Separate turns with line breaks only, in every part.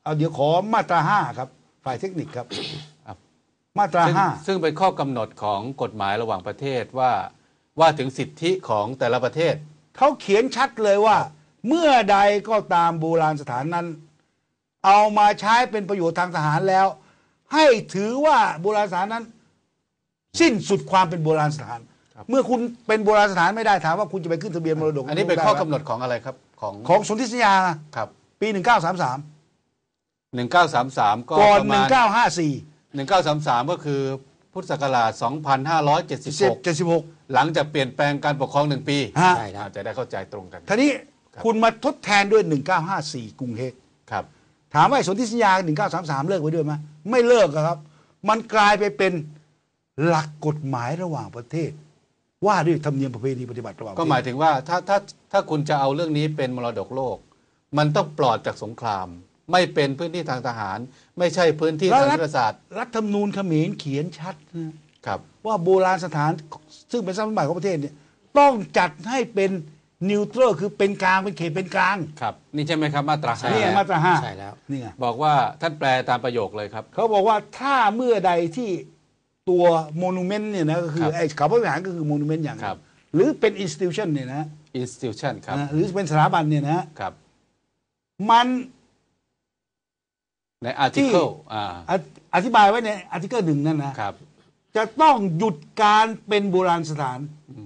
เอาเดี๋ยวขอมาตรา5ครับฝ่ายเทคนิคครับมาตรา
ซึ่งเป็นข้อกำหนดของกฎหมายระหว่างประเทศว่าถึงสิทธิของแต่ละประเทศ
เขาเขียนชัดเลยว่าเมื่อใดก็ตามโบราณสถานนั้นเอามาใช้เป็นประโยชน์ทางทหารแล้ว ให้ถือว่าโบราณสถานนั้น สิ้นสุดความเป็นโบราณสถานเมื่อคุณเป็นโบราณสถานไม่ได้ถามว่าคุณจะไปขึ้นทะเบียนมรดก
อันนี้เป็นข้อกำหนดของอะไรครับ
ของสนธิสัญญา
ครับ
ปี1933
ก็
ก่อน
ประมาณ
1954
ก็คือพุทธศักราช2576หลังจากเปลี่ยนแปลงการปกครอง1 ปี
ใช่
ครับจะได้เข้าใจตรงกัน
ทีนี้คุณมาทดแทนด้วย1954กรุงเฮก
ครับ
ถามว่าสนธิสัญญา1933เลิกไว้ด้วยไหมไม่เลิกครับมันกลายไปเป็นหลักกฎหมายระหว่างประเทศว่าด้วยธรรมเนียมประเพณีปฏิบัติระหว่าง
ก็หมายถึงว่าถ้าคุณจะเอาเรื่องนี้เป็นมรดกโลกมันต้องปลอดจากสงครามไม่เป็นพื้นที่ทางทหารไม่ใช่พื้นที่ทางยุทธศาสตร์
รัฐธรรมนูญเขมรเขียนชัดนะครับว่าโบราณสถานซึ่งเป็นทรัพย์สมบัติของประเทศเนี่ยต้องจัดให้เป็นนิวทรัลคือเป็นกลางเป็นเขตเป็นกลาง
ครับนี่ใช่ไหมครับมาตรา
5นี่มาตรา5
ใช่แล้ว
นี่ไง
บอกว่าท่านแปลตามประโยคเลยครับ
เขาบอกว่าถ้าเมื่อใดที่ตัวโมนูเมนต์เนี่ยนะก็คือไอ้เขาพระวิหารก็คือโมนูเมนต์อย่างหรือเป็นอินสติทิวชันเนี่ยนะ
อินสติทิวชันครับ
หรือเป็นสถาบันเนี่ยนะครับมัน
ในอาร์ติเคิล
อธิบายไว้ในอาร์ติเคิล1นั่นนะครับจะต้องหยุดการเป็นโบราณสถาน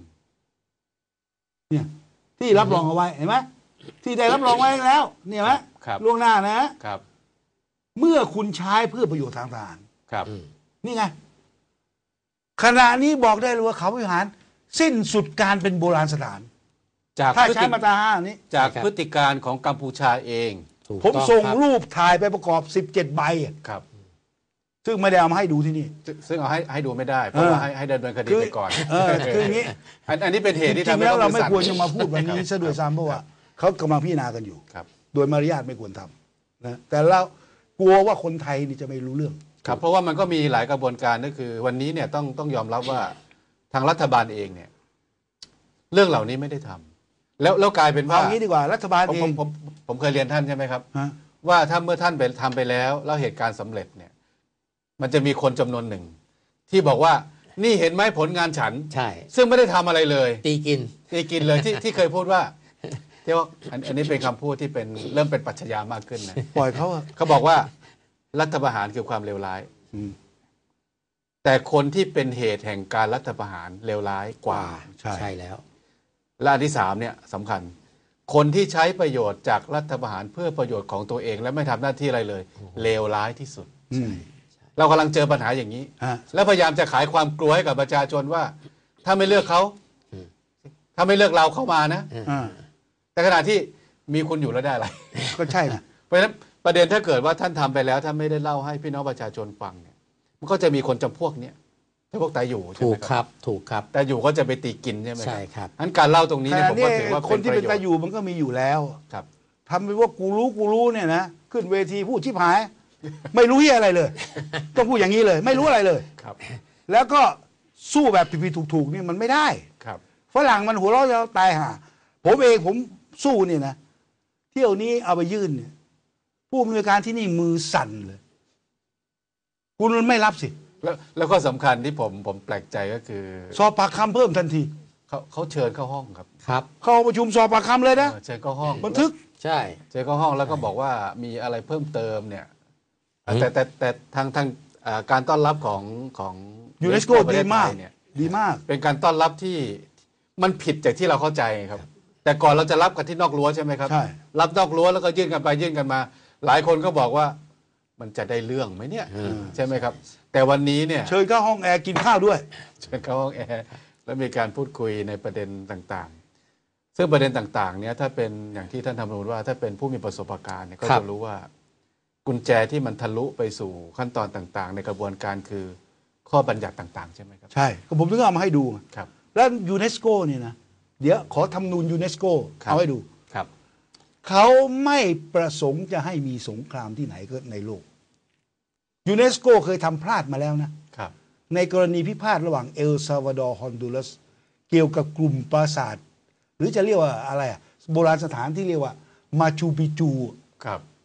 เนี่ยที่รับรองเอาไว้เห็นไหมที่ได้รับรองไว้แล้วเนี่ยไหมล่วงหน้านะครับเมื่อคุณใช้เพื่อประโยชน์ทางทหาร
ครับ
นี่ไงขณะนี้บอกได้เลยว่าเขาวิหารสิ้นสุดการเป็นโบราณสถานถ้าใช้มาตรา5นี้
จากพฤติการของกัมพูชาเอง
ผมส่งรูปถ่ายไปประกอบ17 ใบ
ครับ
ซึ่งไม่ได้เอามาให้ดูที่นี่
ซึ่งเอาให้ดูไม่ได้เพราะว่าให้ดำเนินคดีไปก่อน
คืออย่างนี้
อันนี้เป็นเหตุที่ทำให้
เราไม่ควรจะมาพูดวันนี้ซะด้วยซ้ำเพราะว่าเขากำลังพิจารณากันอยู่โดยมารยาทไม่ควรทำนะแต่เรากลัวว่าคนไทยนี่จะไม่รู้เรื่อง
ครับเพราะว่ามันก็มีหลายกระบวนการก็คือวันนี้เนี่ยต้องยอมรับว่าทางรัฐบาลเองเนี่ยเรื่องเหล่านี้ไม่ได้ทำแล้วกลายเป็นว่า
เอางี้ดีกว่ารัฐบาลเอง
ผมเคยเรียนท่านใช่ไหมครับว่าถ้าเมื่อท่านไปทำไปแล้วเหตุการณ์สำเร็จเนี่ยมันจะมีคนจำนวนหนึ่งที่บอกว่านี่เห็นไหมผลงานฉัน
ใช่
ซึ่งไม่ได้ทำอะไรเลย
ตีกิ
นเลยที่เคยพูดว่าที่ว่าอันนี้เป็นคำพูดที่เป็นเริ่มเป็นปรัชญามากขึ้นนะ
ปล่อย
เขาบอกว่ารัฐประหารคือความเลวร้ายแต่คนที่เป็นเหตุแห่งการรัฐประหารเลวร้ายกว่า
ใช่แล้ว
และอันที่3เนี่ยสำคัญคนที่ใช้ประโยชน์จากรัฐประหารเพื่อประโยชน์ของตัวเองและไม่ทำหน้าที่อะไรเลยเลวร้ายที่สุดเรากำลังเจอปัญหาอย่างนี้แล้วพยายามจะขายความกลัวให้กับประชาชนว่าถ้าไม่เลือกเขาถ้าไม่เลือกเราเข้ามานะแต่ขณะที่มีคุณอยู่แล้วได้อะไร
ก็ใช่นะ
เพราะฉะนั้นประเด็นถ้าเกิดว่าท่านทำไปแล้วถ้าไม่ได้เล่าให้พี่น้องประชาชนฟังเนี่ยมันก็จะมีคนจำพวกเนี้ยพวกตายอยู่ใช่ไหม
ครับถูกครับ
แต่อยู่ก็จะไปตีกินใช่ไหม
ใช่ครับ
งั้นการเล่าตรงนี้เนี่ยผมก็ถือว่า
คนที่เป็นตายอยู่มันก็มีอยู่แล้ว
ครับ
ทำไปว่ากูรู้เนี่ยนะขึ้นเวทีพูดชิบหายไม่รู้เหี้ยอะไรเลยต้องพูดอย่างนี้เลยไม่รู้อะไรเลย
ครับ
แล้วก็สู้แบบผิดๆถูกๆนี่มันไม่ได้
ครับ
ฝรั่งมันหัวเราะจะตายห่าผมสู้เนี่ยนะเที่ยวนี้เอาไปยื่นเนี่ยผู้อำนวยการที่นี่มือสั่นเลยคุณมันไม่รับสิ
แล้วก็สำคัญที่ผมแปลกใจก็คือ
สอบปากคำเพิ่มทันที
เขาเชิญเข้าห้อง
ครับ
เข้าประชุมสอบปากคำเลยนะ
เชิญเข้าห้อง
บันทึก
ใช่
เชิญเข้าห้องแล้วก็บอกว่ามีอะไรเพิ่มเติมเนี่ยแต่ทางการต้อนรับของ
ยูเนสโกดีมากดีมาก
เป็นการต้อนรับที่มันผิดจากที่เราเข้าใจครับแต่ก่อนเราจะรับกันที่นอกรั้วใช่ไหมครับ
ใช่
รับนอกรั้วแล้วก็ยื่นกันไปยื่นกันมาหลายคนก็บอกว่ามันจะได้เรื่องไหมเนี่ยใช่ไหมครับแต่วันนี้เนี่ย
เชิญเข้าห้องแอร์กินข้าวด้วย
เชิญเข้าห้องแอร์แล้วมีการพูดคุยในประเด็นต่างๆซึ่งประเด็นต่างๆเนี่ยถ้าเป็นอย่างที่ท่านทำรู้ว่าถ้าเป็นผู้มีประสบการณ์เนี่ยก็จะรู้ว่ากุญแจที่มันทะลุไปสู่ขั้นตอนต่างๆในกระบวนการคือข้อบัญญัติต่างๆใช่ไหมครับ
ใช่ก็ผมถึงเอามาให้ดู
ครับ
แล้วยูเนสโกเนี่ยนะเดี๋ยวขอทำนูนยูเนสโกเอาให้ดู
ครับ
เขาไม่ประสงค์จะให้มีสงครามที่ไหนก็ในโลกยูเนสโกเคยทำพลาดมาแล้วนะครับในกรณีพิพาทระหว่างเอลซัลวาดอร์ฮอนดูรัสเกี่ยวกับกลุ่มปราสาทหรือจะเรียกว่าอะไรโบราณสถานที่เรียกว่ามาชูปิจู
ครับ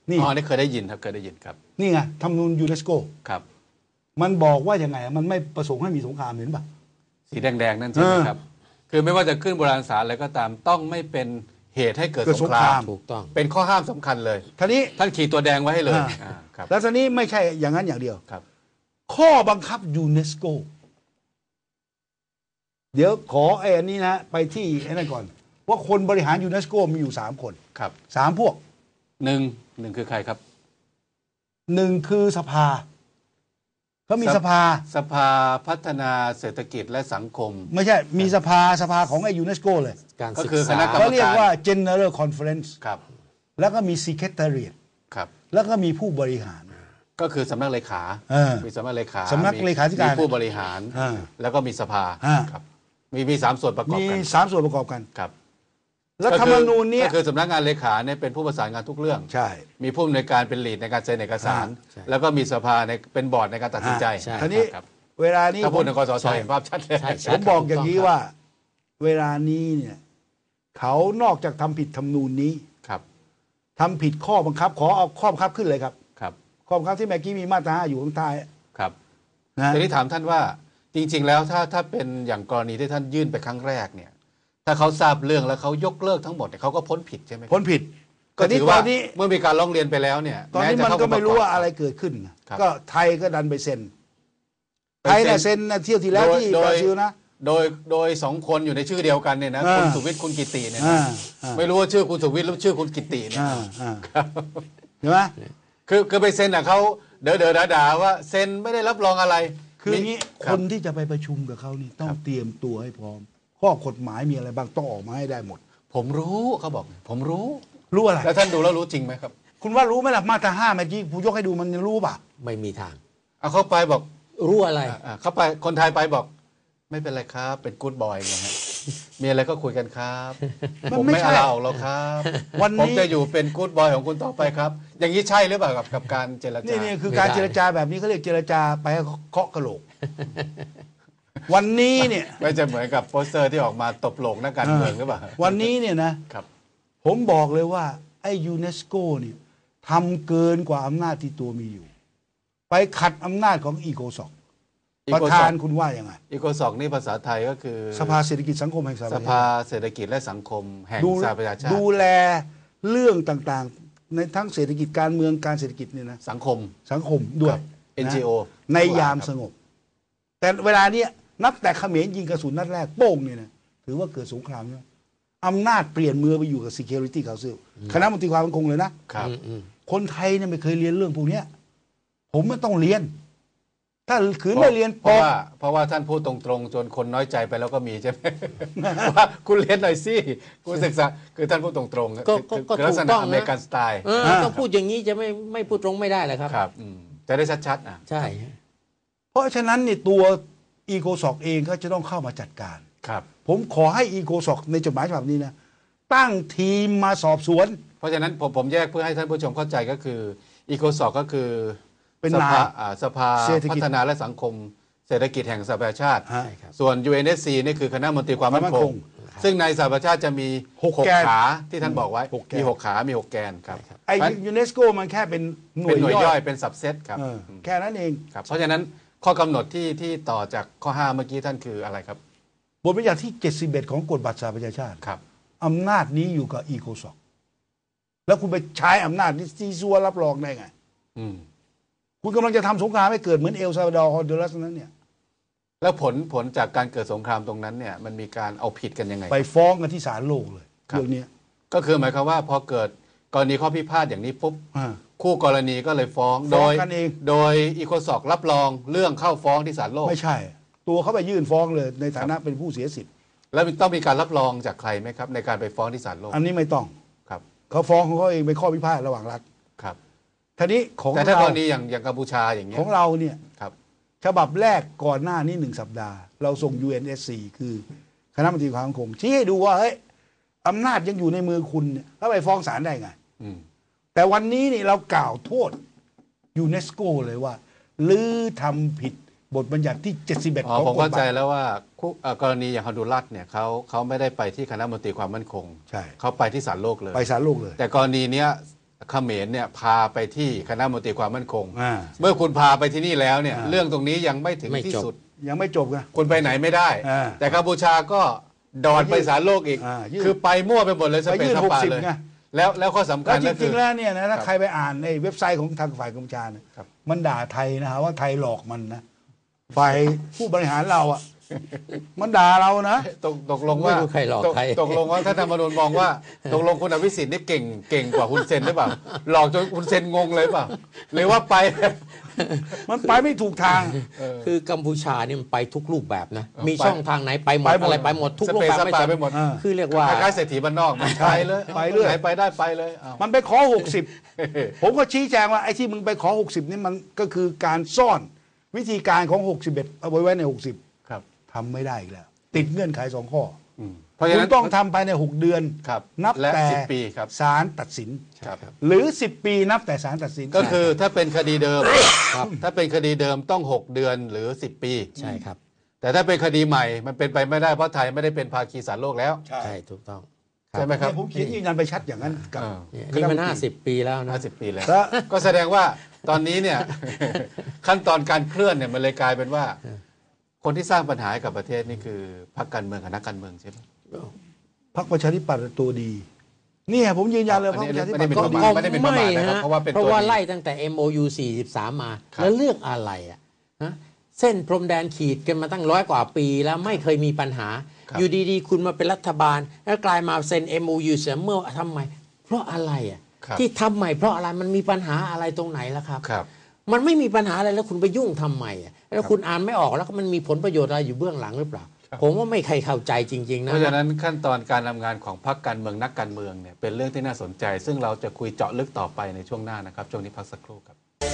นี่
อ๋อนี่เคยได้ยินครับเคยได้ยินครับ
นี่ไงธรรมนูญยูเนสโก
ครับ
มันบอกว่ายังไงมันไม่ประสงค์ให้มีสงครามเห็นป่ะ
สีแดงๆนั่นใช่ไหมครับ คือไม่ว่าจะขึ้นโบราณสารอะไรก็ตามต้องไม่เป็นเหตุให้เกิด
เกิด
ส
ส
ง
ง
ค
ค
ราร
าม ม
ถูกต้อง
เป็นข้อห้ามสำคัญเลย
ทีนี้
ท่านขีดตัวแดงไว้ให้เลย
อ่า
ครับ
แล้วทีนี้ไม่ใช่อย่างนั้นอย่างเดียว
ครับ
ข้อบังคับยูเนสโกเดี๋ยวขอไอ้อันนี้นะไปที่ไอ้นั่นก่อน ว่าคนบริหารยูเนสโกมีอยู่3 คน
ครับ
3 พวก
หนึ่งคือใครครับ
1 คือสภาเขามีสภา
สภาพัฒนาเศรษฐกิจและสังคม
ไม่ใช่มีสภาของไอ้ยูเนสโกเลย
การ
ก็
ศึก
คือค
ษา
ณะกรรม
เขาเรียกว่า General Conference
ครับ
แล้วก็มี Secretariat
ครับ
แล้วก็มีผู้บริหาร
ก็คือสำนักเลขา มีสำนักเลขา
สำนักเลขาธิการ
มีผู้บริหาร
อ่า
แล้วก็มีสภา
อ่า
ครับมี3 ส่วนประกอบ
มี
กัน
3 ส่วนประกอบกัน
ครับ
แล้วธรรมนูญเนี้ย
ก็คือสำนักงานเลขาเนี่ยเป็นผู้ประสานงานทุกเรื่อง
ใช่
มีผู้อำนวยการเป็นลีดในการเซ็นเอกสาร แล้วก็มีสภาในเป็นบอร์ดในการตัดสินใจ
ใช่
ทีนี้
ครับ
เวลานี้
ถ้าพูดถึง
ผม
กสชเห็นภาพชัดเลย
ใช่ใช่
ผมบอกอย่างนี้
ถูกต้อง
ว่า เวลานี้เนี่ยเขานอกจากทำผิดธรรมนูญนี้
ครับ
ทำผิดข้อบังคับ ขอเอาข้อบังคับขึ้นเลยครับ
ครับ
ข้อบังคับที่เมื่อกี้มีมาตรา5อยู่ข้างใต้
ครับ
นะ
ทีนี้ถามท่านว่าจริง ๆ แล้วถ้าเป็นอย่างกรณีที่ท่านยื่นไปครั้งแรกเนี่ย ถ้าเขาทราบเรื่องแล้วเขายกเลิกทั้งหมดเนี่ยเขาก็พ้นผิดใช่ไหมครับ
พ้นผิด
ก็ถือ
ต
ว่า
อนนี้
เมื่อมีการร้องเรียนไปแล้วเนี่ย
ตอนนี้
แจะ
มัน
เข้า
ก็ไม่รู้
ปะกอบ
ว่าอะไรเกิดขึ้น
ครับ
ก็ไทยก็ดันไปเซ็น
ไป
ไทย
เซ็น
น่ะเซ็นนะเที่ยวที่แล้วที่
โด
บ
ย
ราซิลนะ
โดย2 คนอยู่ในชื่อเดียวกันเนี่ยนะ
อ่า
คุณสุวิทย์คุณกิติเนี่ย
อ่า
นะ
อ่า
ไม่รู้ว่าชื่อคุณสุวิทย์หรือชื่อคุณกิติเนี่ย
อ่าเห็นไหม
คือไปเซ็นอ่ะเขาเด๋อด่าๆว่าเซ็นไม่ได้รับรองอะไร
คืออย่างนี้
ค
ครับ นที่จะไปประชุมกับเขานี่ต้องเตรียมตัวให้พร้อม ข้อกฎหมายมีอะไรบ้างต้องออกมาให้ได้หมด
ผมรู้เขาบอก ผมรู้
รู้อะไร
แล้วท่านดูแล้วรู้จริงไหมครับ
คุณว่ารู้ไหมล่ะมาตรา5เมื่อกี้ผู้ยกให้ดูมันยังรู้ป่ะ
ไม่มีทาง
เอาเข้าไปบอก
รู้อะไร
เข้าไปคนไทยไปบอก ไม่เป็นไรครับ เป็นกู๊ดบอยไงฮะมีอะไรก็คุยกันครับ
มัน
ผม
ไม่
ไม่
ใช่
เอาออกหรอกครับ
วัน
ผม
นี้
จะอยู่เป็นกู๊ดบอยของคุณต่อไปครับ อย่างนี้ใช่หรือเปล่ากับการเจรจา
นี่คือ
ไม่
การ
ได้
เจรจาแบบนี้เขาเรียกเจรจาไปให้เคาะกระโหลก วันนี้เนี่ย
ไม่จะเหมือนกับโปสเตอร์ที่ออกมาตบโลกนักการเมืองหรือเปล่า
วันนี้เนี่ยนะครับ ผมบอกเลยว่าไอ้ยูเนสโกเนี่ยทำเกินกว่าอำนาจที่ตัวมีอยู่ ไปขัดอำนาจของอีโกซอกประธานคุณว่ายังไง
อีโกซอกนี่ภาษาไทยก็คือ
สภาเศรษฐกิจสังคมแห่งสหป
ส
ระชา
ภา
ชาติ
เศรษฐกิจและสังคมแห่ง
ดู
สหประชาชาติ
ดูแลเรื่องต่างๆ ในทั้งเศรษฐกิจการเมืองการเศรษฐกิจเนี่ยนะ
สังคม
สังคมด้วย
ครับ
นะ
NGO
ในยามสงบ แต่เวลาเนี้ยนับแต่เขมรยิงกระสุนนัดแรกโป้งเนี่ยนะถือว่าเกิดสงครามแล้วอำนาจเปลี่ยนมือไปอยู่กับ Security Council คณะมนตรีความมั่นคงเลยนะ
ครับ
คนไทยเนี่ยไม่เคยเรียนเรื่องพวกเนี้ยผมไม่ต้องเรียน ถ้าขืนไม่เรียน
เพราะว่าท่านพูดตรงๆ จนคนน้อยใจไปแล้วก็มีใช่ไหม ว่าคุณเรียนหน่อยสิคุณศึกษาคือท่านพูดตรงๆ
ก็
คือลักษ
ถูก
ณะ
ต้อง
อเมริกันสไตล์
ต้องพูดอย่างนี้จะไม่พูดตรงไม่ได้เลยครับ
ครับจะได้ชัดๆอ่ะ
ใช่
เพราะฉะนั้นเนี่ยตัวอีโกซอกเองก็จะต้องเข้ามาจัดการ
ครับ
ผมขอให้อีโกซอกในจดหมายฉบับนี้นะตั้งทีมมาสอบสวน
เพราะฉะนั้นผมแยกเพื่อให้ท่านผู้ชมเข้าใจก็คืออีโกซอกก็คือ
เป็น
ส
นาย
ภาสภา
เศรษฐกิจ
พัฒนาและสังคมเศรษฐกิจแห่งสหประชาชาติ
ฮะ
ใช่ครับ
ส่วน UNSC นี่คือคณะมนตรีความมั่นคง ซึ่งในสหประชาชาติจะมี
หก
6
แกน
ขาที่ท่านบอกไว้
หกแกน
มี6ขามี6แกนครับ
ไอ้
เพราะฉะนั้น
ยูเนสโกมันแค่เป็นหน่ว
เป็น
ย
หน่วย
ย่
ย่
อ
อย ยเป็นสับเซตครับ
แค่นั้นเอง
ครับ เพราะฉะนั้นข้อกำหนดที่ต่อจากข้อ5เมื่อกี้ท่านคืออะไรครับ
บทบัญญัติที่ 71 ของกฎบัตรสหประชาชาติ
ครับ
อำนาจนี้อยู่กับอีโกซอกแล้วคุณไปใช้อำนาจที่ซีซัวรับรองได้ไง
อืม
คุณกำลังจะทำสงครามให้เกิดเหมือนเอลซาลวาดอร์ฮอนดูรัสนั้นเนี่ย
แล้วผลจากการเกิดสงครามตรงนั้นเนี่ยมันมีการเอาผิดกันยังไง
ไปฟ้องกันที่ศาลโลกเลย
ครับ
เรื่องเนี้ย
ก็คือหมายความว่าพอเกิดกรณีข้อพิพาทอย่างนี้ปุ๊บ
อ่า
คู่กรณีก็เลยฟ้อง
ฟ้องกันเอง
โดยอีโคซอกรับรองเรื่องเข้าฟ้องที่ศาลโลก
ไม่ใช่ ตัวเขาไปยื่นฟ้องเลยในฐานะเป็นผู้เสียสิทธิ์
แล้วต้องมีการรับรองจากใครไหมครับ ในการไปฟ้องที่ศาลโลก
อันนี้ไม่ต้อง
ครับ
เขาฟ้องของเขาเองเป็นข้อพิพาทระหว่างรัฐ
ครับ
ทีนี้ของ
แต่ถ้าก
เรา
รณีอย่างกัมพูชาอย่างเงี้ย
ของเราเนี่ย
ครับ
ฉบับแรกก่อนหน้านี้1 สัปดาห์ เราส่ง UNSC คือคณะมนตรีความมั่นคงชี้ให้ดูว่าเฮ้ยอำนาจยังอยู่ในมือคุณเนี่ยแล้วไปฟ้องศาลได้ไง
อืม
แต่วันนี้นี่เรากล่าวโทษยูเนสโกเลยว่าลือทำผิดบทบัญญัติที่ 71
อ๋อ
ของ
ผม
กฎ
เข้า
ห
ใจ
มาย
แล้วว่ากรณีอย่างฮอนดูรัสเนี่ยเขาไม่ได้ไปที่คณะมนตรีความมั่นคง
ใช่
เขาไปที่ศาลโลกเลย
ไปศาลโลกเลย
แต่กรณีเนี้ยเขมรเนี่ยพาไปที่คณะมนตรีความมั่นคง
อ่า
เมื่อคุณพาไปที่นี่แล้วเนี่ยเรื่องตรงนี้ยังไม่ถึง
ไม่
ที่
จบ
สุด
ยังไม่จบนะ
คุณไปไหนไม่ได้
อ่า
แต่กัมพูชาก็ดอนไปศาลโลกอีก
ยื่น
คือไปมั่วไปหมดเลยส
ไป
เป
ยื่
ซ
น
สปา
60
เลย
ไง
แล้วข้อสำคั
แล้
ญ
วจ
ก็คื
ริ
อง
ๆแล้วเนี่ยนะถ้า
ครับ
ใครไปอ่านในเว็บไซต์ของทางฝ่ายกัมพูชาเนี่ย
ครับ
มันด่าไทยนะฮะว่าไทยหลอกมันนะฝ่ายผู้บริหารเราอ่ะมันด่าเรานะ
ตกลงว่า
ไม่รู้ใครหลอกใคร
ตกลงว่าถ้าธรรมนูญมองว่าตกลงคุณอภิสิทธิ์นี่เก่งกว่าคุณเซนหรือเปล่าหลอกจนคุณเซนงงเลยเปล่าหรือว่าไป
มันไปไม่ถูกทาง
คือกัมพูชาเนี่ยมันไปทุกรูปแบบนะ มี
ไป
ช่องทางไหนไปหมด
ไปหมด
อะไรไปหมดทุก
ส
รูป
เปซ
แบบ
ส
ไม่
ปา
จำ
ไปหมด
คือเรียกว่า
คล้ายๆเศรษฐีบ้านนอกมันไปเลย
ไปเรื่อย
ไหนไปได้ไปเลยอ้าว
มันไปขอ 60 ผมก็ชี้แจงว่าไอ้ที่มึงไปขอ 60 นี่มันก็คือการซ่อนวิธีการของ 61 เอาไว้ใน 60
ครับ
ทำไม่ได้อีกแล้ว ติดเงื่อนไข2 ข้อ
เพราะฉะ
คุณ
นั้น
ต้องทำภายใน 6 เดือน
ครับ
นับ
และ
แต่
10 ปีครับ
ศาลตัดสิน
ครับ
หรือ 10 ปีนับแต่ศาลตัดสิน
ก็คือถ้าเป็นคดีเดิม
ครับ
ถ้าเป็นคดีเดิมต้อง 6 เดือนหรือ 10 ปี
ใช่ครับ
แต่ถ้าเป็นคดีใหม่มันเป็นไปไม่ได้เพราะไทยไม่ได้เป็นภาคีศาลโลกแล้ว
ใช่ถูกต้อง
ใช่ไหมครับ
เนี่ยผมเขียนยืนยันไปชัดอย่างนั้นกับ
นี่มัน50 ปีแล้วนะ
50 ปีแล้ว
แล้ว
ก็แสดงว่าตอนนี้เนี่ย ขั้นตอนการเคลื่อนเนี่ยมันเลยกลายเป็นว่า คนที่สร้างปัญหาให้กับประเทศนี่คือพรรคการเมืองกับนักการเมืองใช่ไหม
พรรคประชาธิปัตย์ตัวดี เนี่ยผมยืนยันเลยพรรคประชาธิปัตย์ตัวดี
ไม่ได้เป็นประมาทนะครับ
ฮ
เพราะว่าเป็น
เพราะ
ตัว
ว่า
ดี
ไล่ตั้งแต่ MOU 43 มา
ครับ
แล้วเรื่องอะไรอ่ะฮะเส้นพรมแดนขีดกันมาตั้ง100 กว่าปีแล้วไม่เคยมีปัญหา อยู่ดีๆ คุณมาเป็นรัฐบาล แล้วกลายมาเซ็น MOU เสียเมื่อทำไม เพราะอะไรอ่ะ
ครับ
ที่ทำใหม่เพราะอะไรมันมีปัญหาอะไรตรงไหนล่ะครับ
ครับ
มันไม่มีปัญหาอะไรแล้วคุณไปยุ่งทำไมอ่ะแล้วคุณอ่านไม่ออกแล้วมันมีผลประโยชน์อะไรอยู่เบื้องหลังหรือเปล่า ผมว่าไม่ใครเข้าใจจริง ๆ นะ
เพราะฉะนั้นขั้นตอนการทำงานของพรรคการเมืองนักการเมืองเนี่ยเป็นเรื่องที่น่าสนใจ ซึ่งเราจะคุยเจาะลึกต่อไปในช่วงหน้านะครับช่วงนี้พักสักครู่ครับ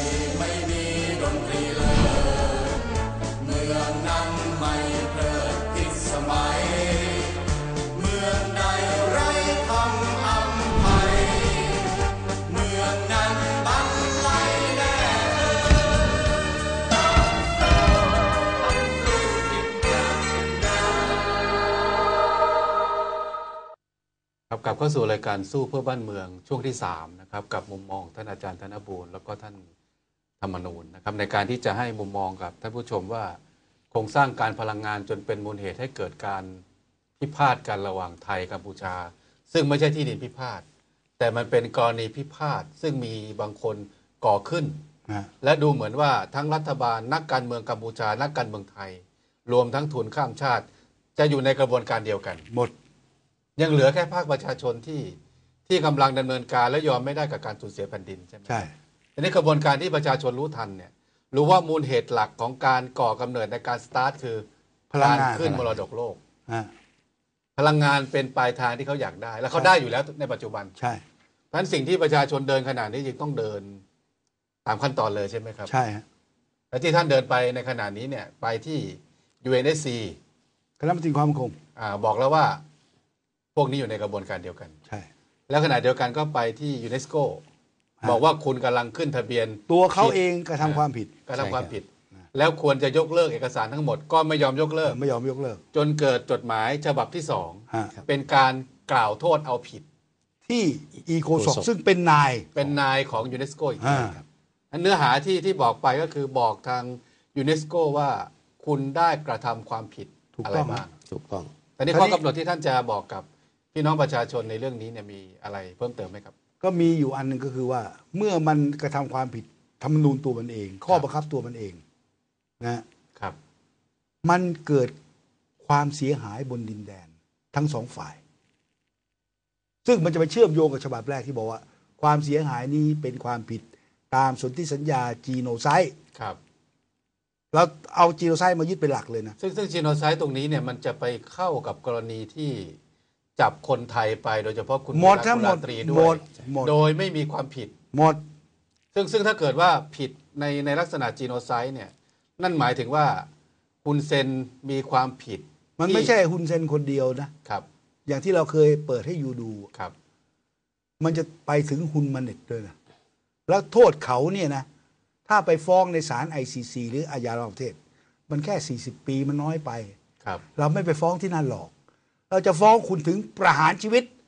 ครับกลับเข้าสู่รายการสู้เพื่อบ้านเมืองช่วงที่3นะครับกับมุมมองท่านอาจารย์ธนบูรณ์แล้วก็ท่านธรรมนูญนะครับในการที่จะให้มุมมองกับท่านผู้ชมว่าโครงสร้างการพลังงานจนเป็นมูลเหตุให้เกิดการพิพาทกันระหว่างไทยกัมพูชา ซึ่งไม่ใช่ที่ดินพิพาทแต่มันเป็นกรณีพิพาทซึ่งมีบางคนก่อขึ้น และดูเหมือนว่าทั้งรัฐบาลนักการเมืองกัมพูชานักการเมืองไทย รวมทั้งทุนข้ามชาติ จะอยู่ในกระบวนการเดียวกัน
หมด
ยังเหลือแค่ภาคประชาชนที่กำลังดำเนินการและยอมไม่ได้กับการสูญเสียแผ่นดินใช่ไหม
ใช่
อันนี้กระบวนการที่ประชาชนรู้ทันเนี่ยรู้ว่ามูลเหตุหลักของการก่อกำเนิดในการสตาร์ทคือ
พลัง
การ
งาน
ขึ้นมรดกโลก
อ่า
พลังงานเป็นปลายทางที่เขาอยากได้ และเขาได้อยู่แล้วในปัจจุบัน
ใช่
เพราะฉะนั้นสิ่งที่ประชาชนเดินขนาดนี้จึงต้องเดินตามขั้นตอนเลยใช่ไหมครับ
ใช่ฮะ
และที่ท่านเดินไปในขณะนี้เนี่ยไปที่ UNSC
คณะมนตรีความมั่นคง
บอกแล้วว่าพวกนี้อยู่ในกระบวนการเดียวกัน
ใช่
แล้วขณะเดียวกันก็ไปที่ยูเนสโกบอกว่าคุณกำลังขึ้นทะเบียน
ตัวเขาเองกระทำความผิด
กระทำความผิด แล้วควรจะยกเลิกเอกสารทั้งหมดก็ไม่ยอมยกเลิก
ไม่ยอมยกเลิก
จนเกิดจดหมายฉบับที่สอง
ฮะ
เป็นการกล่าวโทษเอาผิด
ที่อีโคซอกซึ่งเป็นนาย
เป็นนายของยูเนสโกอีกที
อ่า
ครับอันเนื้อหาที่บอกไปก็คือบอกทางยูเนสโกว่าคุณได้กระทำความผิด
ถูก
อะไร
ต้อง
บ้าง
ถูกต้อง
แต่นี่ข้อกำหนดที่ท่านจะบอกกับพี่น้องประชาชนในเรื่องนี้เนี่ยมีอะไรเพิ่มเติมไหมครับ
ก็มีอยู่อันหนึ่งก็คือว่า เมื่อมันกระทำความผิดธรรมนูญตัวมันเอง ข้อบังคับตัวมันเองนะครับ มันเกิดความเสียหายบนดินแดนทั้งสองฝ่าย ซึ่งมันจะไปเชื่อมโยงกับฉบับแรกที่บอกว่า ความเสียหายนี้เป็นความผิดตามสนธิสัญญาจีโนไซด์
ครับ
เราเอาจีโนไซด์มายึดเป็นหลักเลยนะ
ซึ่งจีโนไซด์ตรงนี้เนี่ยมันจะไปเข้ากับกรณีที่จับคนไทยไปโดยเฉพาะคุณ
หมดทั้งหมด
กุลาตรีด้
หม
วย
ดหมด
โดยไม่มีความผิด
หมด
ซึ่งถ้าเกิดว่าผิดในลักษณะจีโนไซด์เนี่ยนั่นหมายถึงว่าฮุนเซนมีความผิด
มันไม่ใช่ฮุนเซนคนเดียวนะ
ครับ
อย่างที่เราเคยเปิดให้ยูดู
ครับ
มันจะไปถึงฮุนมาเน็ตด้วยนะแล้วโทษเขาเนี่ยนะ ถ้าไปฟ้องในศาล ICC หรืออาญาระหว่างประเทศ มันแค่40 ปีมันน้อยไป
ครับ
เราไม่ไปฟ้องที่นั่นหรอก เราจะฟ้องคุณถึงประหารชีวิต